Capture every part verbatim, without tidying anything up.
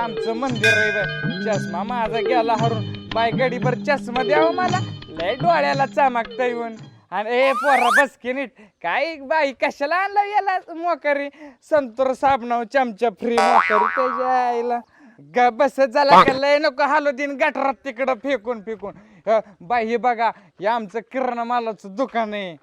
आमचं मंदिर आहे बाई. चष्मा माझा गेला हरून बाय गडीभर चष्मा द्यावं मला लय डोळ्याला चमकता येऊन. आणि ए पोरा बस की नीट काय बाई कशाला आणलं याला मोकरी संतूर साबणाव चमचा फ्री मोकरी त्याच्या आईला ग बस झाला का लय नको हालूदीन गटरात तिकडं फेकून फेकून. अ, बाई हे बघा हे आमचं किराणा मालाचं दुकान आहे.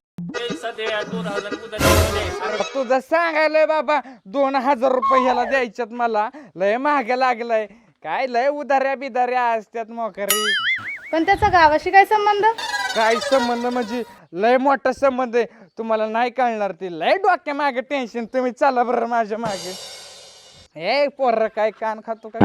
अरे तुझं सांगायलंय बाबा दोन हजार रुपये ह्याला द्यायच्यात मला लय महाग लागलाय. काय लय उधाऱ्या बिधाऱ्या असत्यात मोकरी. पण त्याचा गावाशी काय संबंध? काय संबंध म्हणजे लय मोठा संबंध आहे. तुम्हाला नाही कळणार ते लय डोक्या मागे टेन्शन. तुम्ही चला बरं माझ्या मागे. ए पोर काय कान खातो काय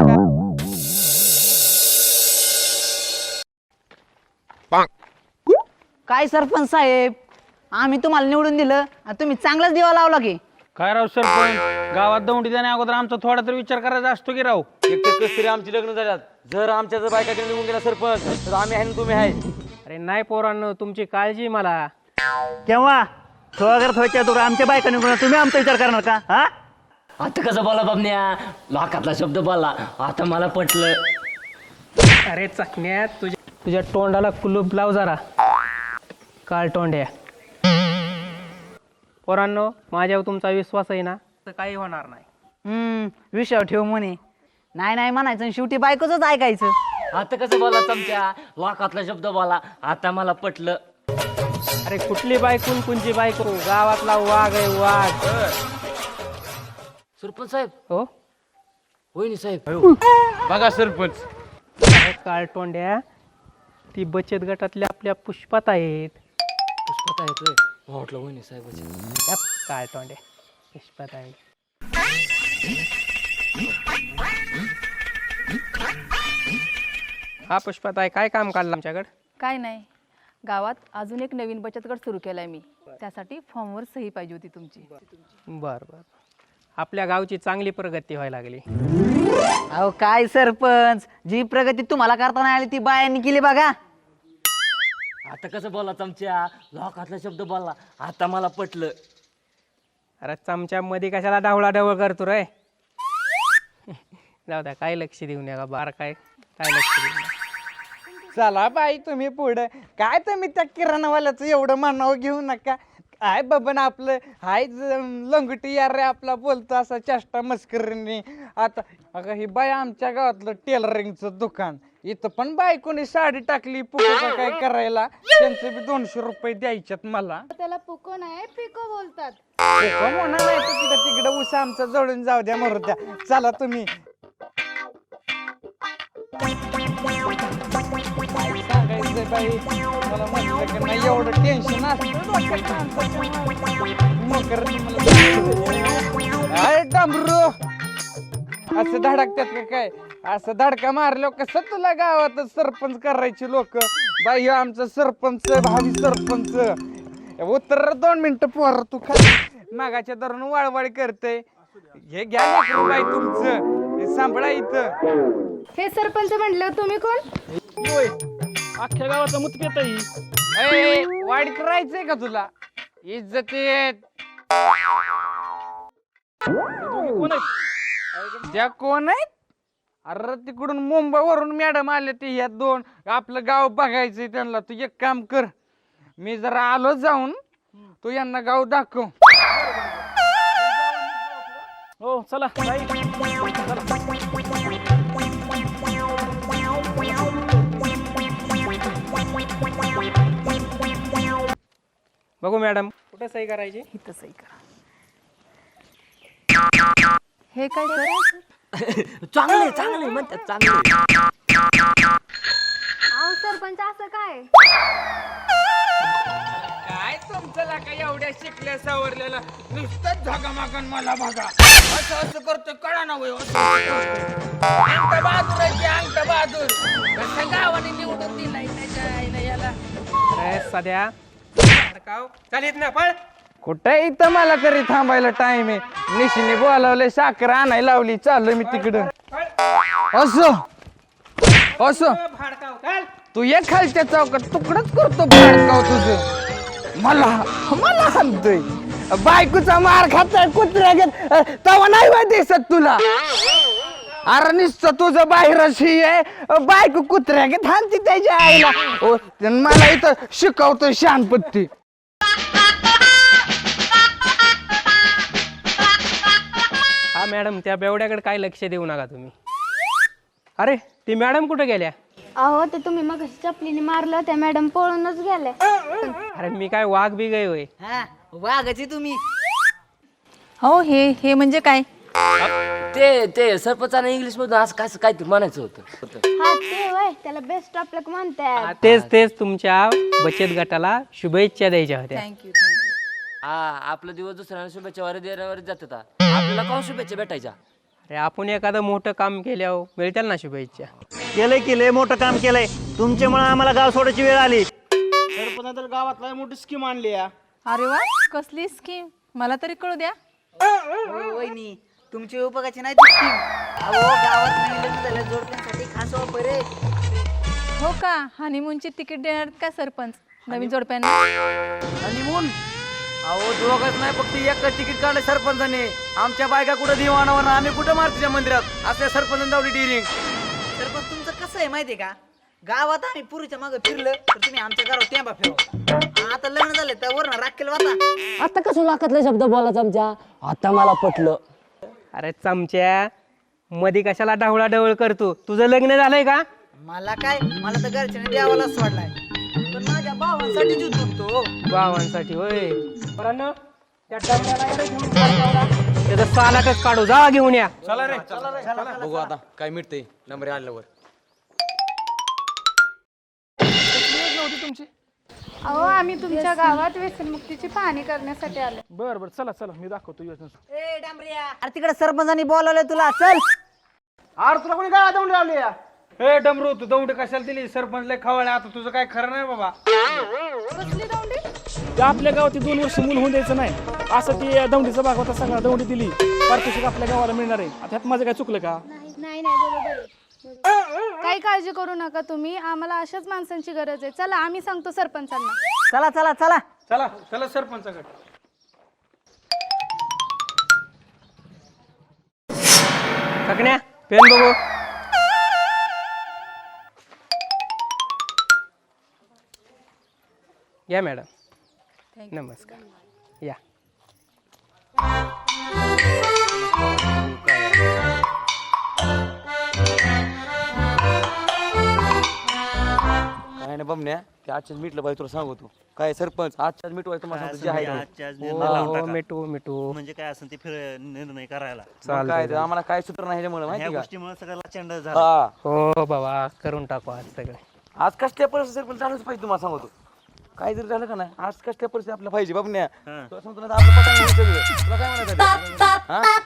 काय सरपंच साहेब आम्ही तुम्हाला निवडून दिलं आणि तुम्ही चांगलाच दिवा लावला की. काय राव सरपंच गावात दौंडी जाण्या अगोदर आमचा थोडा तरी विचार करायचा असतो की राव. एक तर कस तरी आमची लग्न झाल्यात. जर आमच्या जर बायकाकडे निघून गेला सरपंच तर आम्ही आहे ना तुम्ही आहे. अरे नाही पोरांनो तुमची काळजी मला. केव्हा थोडा थोड्या दूर आमच्या बायका निघून तुम्ही आमचा विचार करणार का? हा आता कसं बोला बाबन्या लाखातला शब्द बोलला आता मला पटलं. अरे चकण्या तुझ्या तुझ्या तोंडाला कुलूप लाव जरा काळ तोंड्या. पोरांनो माझ्यावर तुमचा विश्वास आहे ना तर काही होणार नाही. हम्म विषय ठेव म्हणे नाही नाही म्हणायचं आणि शेवटी बायकोच ऐकायचं. आता कसं बोला चमच्या लाखातला शब्द बोला आता मला पटलं. अरे कुठली बायकून कुंची बायको गावातला वाघ आहे वाघ. सरपंच साहेब हो होईनी साहेब. बघा सरपंच अरे काळ तोंड्या ती बचत गटातल्या आपल्या पुष्पात आहेत. पुष्पात आहे म्हटलं होईनी साहेब. या काळ तोंड्या पुष्पात आहेत. हा पुष्पात आहे काय काम काढलं आमच्याकडे? काय नाही गावात अजून एक नवीन बचत गट सुरू केलाय मी. त्यासाठी फॉर्मवर सही पाहिजे होती तुमची. बर बर आपल्या गावची चांगली प्रगती व्हायला लागली. अहो काय सरपंच जी प्रगती तुम्हाला करता नाही आली ती बायांनी केली बघा. आता कसं बोला चमच्या लाखातला शब्द बोलला आता मला पटलं. अरे चमच्या मध्ये कशाला ढवळा ढवळ करतो रे. जाऊ द्या काय लक्ष देऊ नका बार काय काय लक्ष देऊ नका. चला बाई तुम्ही पुढे काय तुम्ही त्या किराणावाल्याचं एवढं मानावं घेऊ नका. काय बाबा आपलं हाय लंगटी यार रे आपला बोलतो असा चेष्टा मस्करीने. आता अगं ही बाई आमच्या गावातलं टेलरिंगचं दुकान इथं पण बायकोनी साडी टाकली पुढे काय करायला त्यांचे बी दोनशे रुपये द्यायच्यात मला. त्याला पुको नाही पिको बोलतात. म्हणा नाही तर तिकडं तिकडं उसा आमचा जळून जाऊ द्या मरू द्या. चला तुम्ही सांगायचं बाई मला म्हटलं की नाही एवढं टेन्शन असतं डांबरू असं धडकतात का काय. असं धडका मारलो कसं तुला गावात सरपंच करायचे लोक. बाई ह्यो आमचा सरपंच भावी सरपंच. उत्तर दोन मिनिटं पोर तू खाली मागाच्या धरून वाळवाळ करते. हे घ्या लेकरू बाई तुमचं हे सांभाळा इथं. हे सरपंच म्हटलं तुम्ही कोण? अख्ख्या गावाचा मुतकेत ए, वाढीत राहायचंय का तुला इज्जतीत? त्या कोण आहेत? अरे तिकडून मुंबईवरून मॅडम आले ते ह्या दोन आपलं गाव बघायचंय त्यांना. तू एक काम कर मी जरा आलो जाऊन तू यांना गाव दाखव. हो चला बघू मॅडम कुठे सही करायची? इथं सही करा. हे काय करायचं? चांगले चांगले म्हणतात चांगले. अहो सरपंच असं काय? काय तुमचं का एवढ्या शिकल्या सावरलेला नुसतं झगामागन मला बघा असं असं करतोय कळा ना वय. अंगठा बहादूर आहे की अंगठा बहादूर कसं गावाने निवडून दिलाय त्याच्या आईला याला. अरे सध्या चालित ना पण कुठे इथं मला तरी थांबायला टाइम आहे. निशीने बोलावले साखर आणायला लावली चाललो मी तिकडं. असं असं तू ये खालच्या चौकात तुकडच करतो भाडकाव तुझं. मला मला हाणतोय बायकोचा मार खाताय कुत्र्या घेत तवा नाही माहिती दिसत तुला. अरे नुसतं तुझं बाहेरशी आहे बायको कुत्र्या की थांबती त्याच्या आईला ओ, त्यानं मला इथं शिकवतो शानपत्ती. हा मॅडम, त्या बेवड्याकडे काय लक्ष देऊ नका तुम्ही. अरे ती मॅडम कुठे गेल्या? अहो ते तुम्ही मग चपलीने मारलं त्या मॅडम पळूनच गेल्या. अरे मी काय वाघ बी गय होय. हा वाघाची तुम्ही. हो हे हे म्हणजे काय? ते ते सरपंचाने इंग्लिश मधून असं काय काहीतरी म्हणायचं होतं. हा ते वय त्याला बेस्ट ऑफ लक म्हणतात. हा, तेच तेच तुमच्या बचत गटाला शुभेच्छा द्यायच्या होत्या. थँक्यू हा आपला दिवस दुसऱ्याला शुभेच्छा वर देण्यावर जात होता. आपल्याला कोण शुभेच्छा भेटायच्या? अरे आपण एखादं मोठं काम केल्यावर मिळतील ना शुभेच्छा. केलंय केलंय मोठं काम केलंय. तुमच्यामुळे आम्हाला गाव सोडायची वेळ आली. सरपंच तर गावातला मोठी स्कीम आणली या. अरे वा, कसली स्कीम मला तरी कळू द्या. हो, वहिनी तुमची उपयोगाची नाही ती स्कीम. अहो गावात नाही लग्न झाल्या जोडप्यांसाठी खास ऑफर आहे. हो का? हनीमूनची तिकीट देणार का सरपंच नवीन जोडप्यांना? हनीमून? अहो दोघच नाही फक्त एक तिकीट काढलं सरपंचाने. आमच्या बायका कुठं दिवाणावर आम्ही कुठं मारुतीच्या मंदिरात असल्या सरपंच दावली डिरिंग. सरपंच तुमचं कसं आहे माहितीये का? गावात आम्ही पुरीच्या मागे फिरलं तर तुम्ही आमच्या घरावर टेंबा फिरवा. आता लग्न झालं तर वरण राखेल वाचा. आता कसं लाखातले शब्द बोलायचं आमच्या? आता मला पटलं. अरे चमच्या, मध्ये कशाला डावळा डवळ करतो? तुझं लग्न झालंय का? मला काय, मला तर घरच्याने द्यावाला सोडलाय, पण माझ्या भावांसाठी जीव तुटतो. भावांसाठी होय. पोरांनो, त्या डबऱ्याला इकडे घेऊन जा. त्याचं सालाटच काढू, जा घेऊन या. बघू आता काय मिळते नंबर आल्यावर. अहो आम्ही तुमच्या गावात व्यसनमुक्तीची पाहणी करण्यासाठी आलो. बर बर चला चला मी दाखवतो योजना. ए डांबऱ्या, अरे तिकडे सरपंचानी बोलावलंय तुला, चल. अरे तुला कोणी काय दौंडी लावली या? हे डमरू तू दौंडी कशाला दिली? सरपंच लय खवळले. आता तुझं काय खरं नाही बाबा. ते आपल्या गावात दोन वर्ष मूल होऊन द्यायचं नाही असं ती दौंडीचा भाग होता सगळा. दौंडी दिली पारितोषिक आपल्या गावाला मिळणार आहे. आता ह्यात माझं काय चुकलं का? नाही नाही बरोबर आहे. काही काळजी करू नका तुम्ही. आम्हाला अशाच माणसांची गरज आहे. चला आम्ही सांगतो सरपंचांना. चला चला चला चला चला सरपंचाकडे. ककण्या, पेन बघू. या मॅडम, नमस्कार या. काय नाही बमण्या, ते आजच्याच मिटलं पाहिजे तुला सांगतो. काय सरपंच आजच्याच मिटवाय तुम्हाला सांगतो जे आहे ते. आजच्याच हो निर्णय लावून हो, टाका. मिठू मिठू. म्हणजे काय असेल ते फिर निर्णय करायला. मग काय ते आम्हाला काय सूत्र नाही ह्याच्यामुळे ह्या माहिती का? गोष्टीमुळे सगळ्याला चंड झाला. हा हो बाबा, करून टाकू आज सगळे. आज कसल्या परिस्थिती सरपंच चालूच पाहिजे तुम्हाला सांगतो. काय जरी झालं का नाही, आज कसल्या परिस्थिती आपल्याला पाहिजे बमण्या. तुला सांगतो ना, आपलं पटंग होईल सगळं. तुला काय म्हणायचं? हा?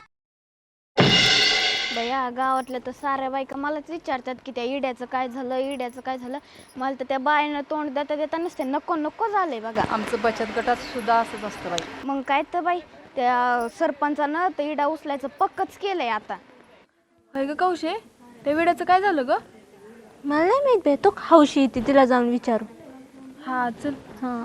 बया गावातल्या तर साऱ्या बायका मलाच विचारतात की त्या इड्याचं काय झालं, इड्याचं काय झालं. मला तर त्या बायांना तोंड देता देता नसते नको नको झालंय बघा. आमचं बचत गटात सुद्धा असंच असतं बाई. मग काय तर बाई त्या सरपंचानं तर इडा उचलायचं पक्कच केलंय आता. होय ग कौशे, त्या विड्याचं काय झालं ग? मला नाही माहित बाई, तो हौशी येते तिला जाऊन विचारू. हा चल. हा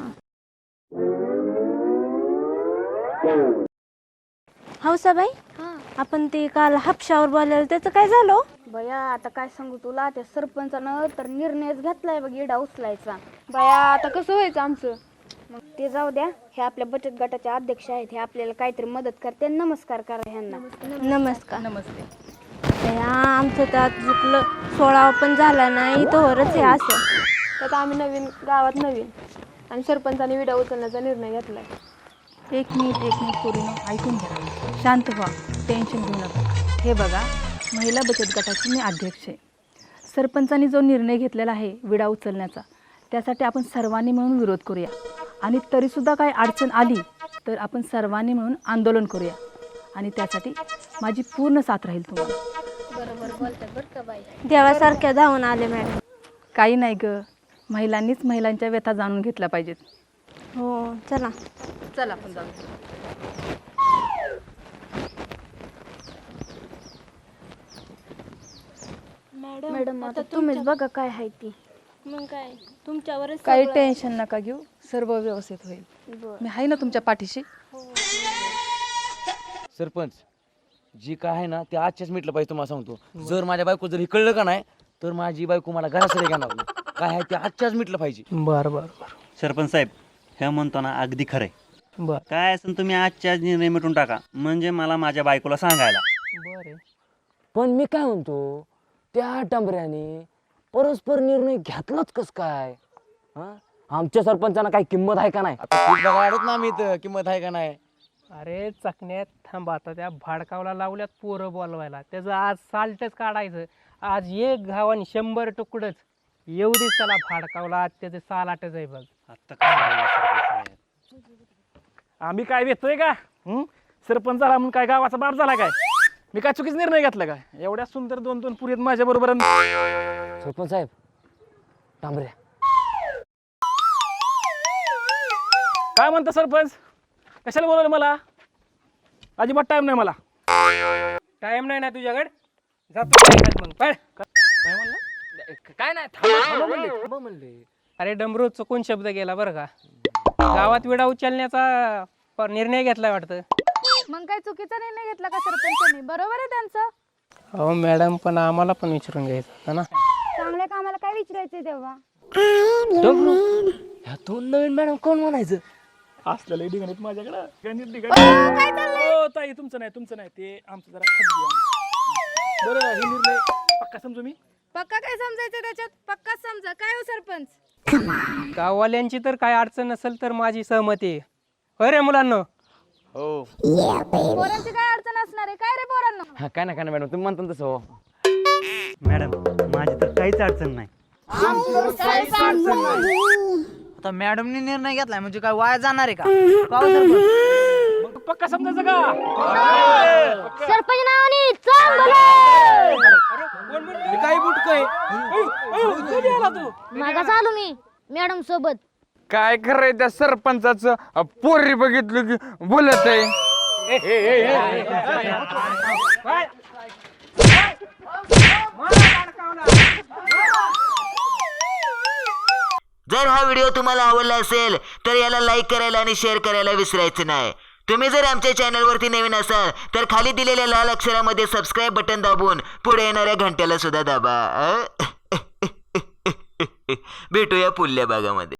हौसाबाई, आपण ते काल हापशावर बोलायला त्याचं काय झालं? बया आता काय सांगू तुला, त्या सरपंचानं तर निर्णयच घेतलाय बघ इडा उचलायचा. बया आता कसं व्हायचं आमचं? मग ते जाऊ द्या, हे आपल्या बचत गटाचे अध्यक्ष आहेत, हे आपल्याला काहीतरी मदत करते. नमस्कार करा ह्यांना. नमस्कार. नमस्ते. बया आमचं त्यात चुकलं, सोळा पण झाला नाही तोवरच हे असं. त्यात आम्ही नवीन गावात नवीन आणि सरपंचाने विडा उचलण्याचा निर्णय घेतलाय. एक मिनिट एक मिनिट पूर्ण ऐकून घ्या, शांत व्हा, टेन्शन घेऊ नका. हे बघा, महिला बचत गटाची मी अध्यक्ष आहे. सरपंचांनी जो निर्णय घेतलेला आहे विडा उचलण्याचा, त्यासाठी आपण सर्वांनी मिळून विरोध करूया. आणि तरीसुद्धा काही अडचण आली तर आपण सर्वांनी मिळून आंदोलन करूया. आणि त्यासाठी माझी पूर्ण साथ राहील तुम्हाला. बरोबर बोलतात बरं का बाई. देवासारख्या धावून आले मॅडम. काही नाही ग, महिलांनीच महिलांच्या व्यथा जाणून घेतल्या पाहिजेत. हो चला चला आपण जाऊ. मॅडम आता तुम्हीच बघा काय आहे ती. मग काय तुमच्यावरच काही टेन्शन नका घेऊ, सर्व व्यवस्थित होईल. मी आहे ना तुमच्या पाठीशी. सरपंच जी काय आहे ना ते आजच्याच मिटलं पाहिजे तुम्हाला सांगतो. जर माझ्या बायको जर हे कळलं का नाही तर माझी बायको मला घरासाठी घेणार नाही. काय आहे ते आजच्याच मिटलं पाहिजे. बरं बरं बरं सरपंच साहेब हे म्हणतो ना अगदी खरंय. बरं काय असेल तुम्ही आजच्या निर्णय मिटून टाका म्हणजे मला माझ्या बायकोला सांगायला. बरं पण मी काय म्हणतो त्या डांबऱ्याने परस्पर निर्णय घेतलाच कस काय हा? आमच्या सरपंचांना काही किंमत आहे का नाही? आता खूप बघा आडत ना आम्ही इथं किंमत आहे का नाही. अरे चकण्यात थांब आता त्या भाडकावला लावल्यात पोरं बोलवायला त्याचं आज साल्टच काढायचं. आज एक घावान शंभर तुकडच येऊ देच त्याला भाडकावला आज त्याचे सालाटच आहे बघ. आता कसं बोलला सरपंच साहेब? आम्ही काय भेटतोय का हं? सरपंच झाला म्हणून काय गावाचा बाप झाला काय? मी काय चुकीचा निर्णय घेतला काय? एवढ्या सुंदर दोन दोन पुरी आहेत माझ्या बरोबर. सरपंच साहेब डांबऱ्या काय म्हणता सरपंच? कशाला बोलवलं मला? अजिबात टाइम नाही मला. टाइम नाही ना तुझ्याकडे जातो बाहेर मग पळ. काय म्हणलं? काय नाही थांबा थांबा म्हणले थांबा म्हणले. अरे डमरू चुकून शब्द गेला बरं का. गावात विडा उचलण्याचा प- निर्णय घेतलाय वाटतं. मग काय चुकीचा निर्णय घेतला का सरपंचांनी? बरोबर आहे त्यांचं. हो मॅडम पण आम्हाला पण विचारून घ्यायचं होतं ना. चांगल्या कामाला काय विचारायचंय तेव्हा? ह्या दोन नवीन मॅडम कोण म्हणायचं? असलेलं डिगणीत माझ्याकडं गणित डिगणित. हो ताई तुमचं नाही तुमचं नाही ते आमचं जरा खाजगी आहे. बरं हे निर्णय पक्का समजू मी. पक्का काय समजायचं त्याच्यात? पक्का समजा. काय हो सरपंच? गाववाल्यांची तर काय अडचण नसेल तर माझी सहमती आहे. होय रे मुलांना? हो पोरांची काय अडचण असणार आहे? काय रे पोरांना? हा, काय ना काय ना मॅडम तुम्ही म्हणता तसं हो. मॅडम माझी तर काहीच अडचण नाही. आता मॅडमने निर्णय घेतलाय म्हणजे काय वाया जाणार आहे का? का हो सरपंच? मग पक्का समजायचं का? सरपंच नावाने काय बुटकय? मागा चालू मी मॅडम सोबत. काय खरंय त्या सरपंचाचं अ, पोरी बघितलं की बोलत आहे. जर हा व्हिडिओ तुम्हाला आवडला असेल तर याला लाईक करायला आणि शेअर करायला विसरायचं नाही. तुम्ही जर आमच्या चॅनलवरती नवीन असाल तर खाली दिलेल्या लाल अक्षरामध्ये सबस्क्राईब बटन दाबून पुढे येणाऱ्या घंट्याला सुद्धा दाबा. भेटूया पुढल्या भागामध्ये.